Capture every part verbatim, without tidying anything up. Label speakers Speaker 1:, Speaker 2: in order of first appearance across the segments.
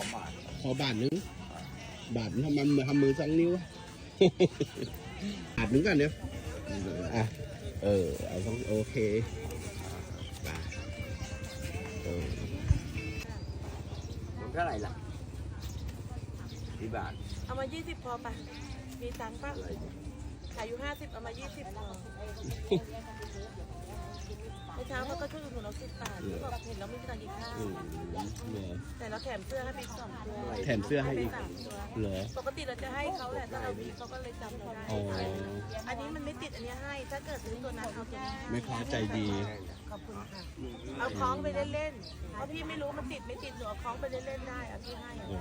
Speaker 1: บาท
Speaker 2: ขอบาทนึงบาททำมันทำมือสองนิ้วบาทนึงกันเนี่ยอ่ะเออเอาต้องโอเคบาทเออ
Speaker 1: มันเท่าไหร่ล่ะกี่บาท
Speaker 3: เอามายี่สิบพอป่ะมีตังค์ป่ะขายอยู่ห้าสิบเอามายี่สิบพอเมื่อเช้าเขาก็ช่วยอุดหนุนเราสิบบาทเขาบอกเห็นเราไม่มีตังค์กินข้าวแต่เราแถมเสื้อให้ไปสองตัว
Speaker 2: แถมเสื้อให้อีก
Speaker 3: สามตัว
Speaker 2: เหรอ
Speaker 3: ปกติเราจะให้เขาแหละถ้าเรามีเขาก็เลยจำเราได้
Speaker 2: อ๋อ
Speaker 3: อันนี้มันไม่ติดอันนี้ให้ ถ้าเกิดซื้อตัวนั้นเอาตัวนี้ให้
Speaker 2: แม่ค้าใจดี
Speaker 3: ขอบคุณค่ะ เอาคล้องไปเล่นๆ เพราะพี่ไม่รู้มันติดไม่ติดหนูเอาคล้องไปเล่นๆได้เอาพี่ให้อะ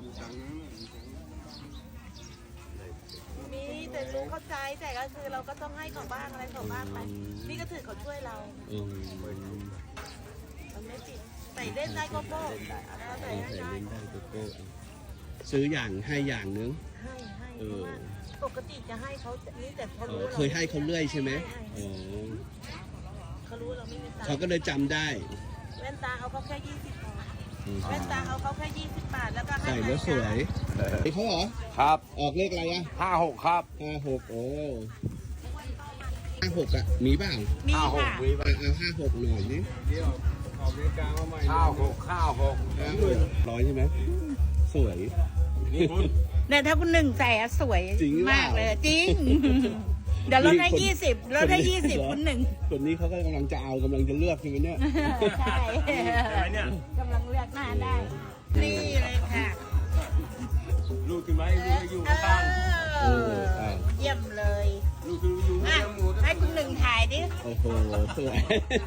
Speaker 3: มีแต่รู้เข้าใจแต่ก็คือเราก็ต้องให้เขาบ้างอะไรเขาบ้างไปนี่ก็ถือเขาช่วยเรา
Speaker 2: อืม
Speaker 3: มันไม่ติดใส่เล่นได้ก็โป้เอาใส่
Speaker 2: เอา
Speaker 3: ได้
Speaker 2: ใส่
Speaker 3: ได้
Speaker 2: เล่นได้โกโก้ซื้ออย่างให้อย่างนึง
Speaker 3: ให้ให้
Speaker 2: เอ
Speaker 3: เพราะ
Speaker 2: อ
Speaker 3: ว่าปกติจะให้เขานี่แต่เขา
Speaker 2: เอ
Speaker 3: รู้
Speaker 2: อเคยให้เขาเรื่อยใช่ไหมอ๋อ
Speaker 3: เขารู้เราไม่มีตัง
Speaker 2: เขา
Speaker 3: ค์
Speaker 2: ก็เลยจำได้
Speaker 3: แว่นตาเอาเขาแค่ยี่สิบพอ
Speaker 2: อืม
Speaker 3: แว่นตาเอาเขาแค่ยี่สิบบาทแล้วก็ให้
Speaker 2: ใส่แล้วสวยไอ้เขาเหรอ
Speaker 1: ครับ
Speaker 2: ออกเลขอะไรอ่ะ
Speaker 1: ห้าหกครับ
Speaker 2: ห้าหกโอ้ห้าหกอ่ะมีบ้าง
Speaker 3: มี
Speaker 1: ห้าหก
Speaker 3: ค่ะ
Speaker 1: วิ
Speaker 2: อ่ะเอาห้าหกหน่อยนี่
Speaker 1: ห้าหกห้าหก
Speaker 2: ห้าหกร้อยใช่ไหมสวย
Speaker 1: นี่คุณ
Speaker 3: เนี่ยถ้าคุณหนึ่งใส่อะสวย
Speaker 2: จริงหรือเปล่าม
Speaker 3: ากเลยจริง เดี๋ยวลดให้
Speaker 2: นี่คน
Speaker 3: ยี่สิบลดให้
Speaker 2: คนนี้
Speaker 3: ยี่สิบ
Speaker 2: เหรอ
Speaker 3: คุณหนึ่ง
Speaker 2: คนนี้เขาก็กำลังจะเอากำลังจะเลือกใช่ไหมเนี่ย
Speaker 3: ใช่
Speaker 1: ใช่ไหมเนี่ย
Speaker 3: กำลังเลือกหน้าได้ นี่เลยค่ะ
Speaker 1: ลูกขึ้นไหมลูกอยู่ข้าง
Speaker 3: เออเยี่ยมเลย
Speaker 1: ลูกคืออยู่
Speaker 3: อ่ะ
Speaker 1: ข้างหมู
Speaker 3: ให้คุณหนึ่งถ่ายดิ
Speaker 2: โอ้โหสวย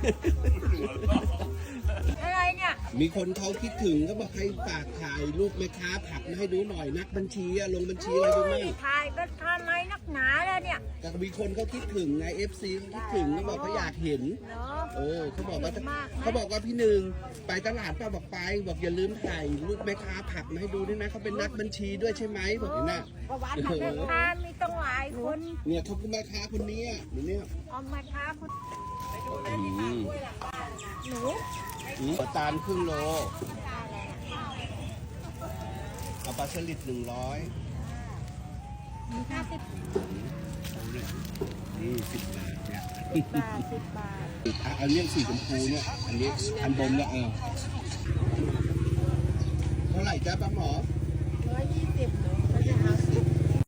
Speaker 3: อะไรเนี่ย
Speaker 2: มีคนเขาคิดถึงก็บอกให้ฝากถ่ายรูปแม่ค้าผักมาให้ดูหน่อยนักบัญชีอะลงบัญชีอะไรดูมั่ง
Speaker 3: ถ่ายก็ทำไมนักหนาแล้วเนี่ย
Speaker 2: แต่มีคนเขาคิดถึงไงเอฟซีเขาคิดถึงเขาบอกเขาอยากเห็น
Speaker 3: เนาะ
Speaker 2: โอ้เขาบอกว่า
Speaker 3: เห็นมากนะ
Speaker 2: เขาบอกว่าพี่หนึ่งไปตลาดป้าบอกไปบอกอย่าลืมถ่ายรูปแม่ค้าผักมาให้ดูด้วยนะเขาเป็นนักบัญชีด้วยใช่ไหมบอกอย่างนั้น
Speaker 3: ประวัติของแม่ค้ามีต้องหลายคน
Speaker 2: เนี่ยเขาเป็นแม่ค้าคนนี้อ่ะเดี๋ยวเนี่ย
Speaker 3: เอามาค้าคุณ
Speaker 2: อืม
Speaker 3: หนู
Speaker 2: อืมตาลครึ่งโลเอาปลาสลิดหนึ่งร้อย
Speaker 3: มีห้าสิบ
Speaker 2: นี่สิบบาทเนี่ย
Speaker 3: บาทสิบบาท
Speaker 2: อ่ะอันนี้สีชมพูเนี่ยอันนี้อันบนเนี่ยเออเท่าไหร่จ้าป้าหมอ
Speaker 3: ร้อยยี่สิบ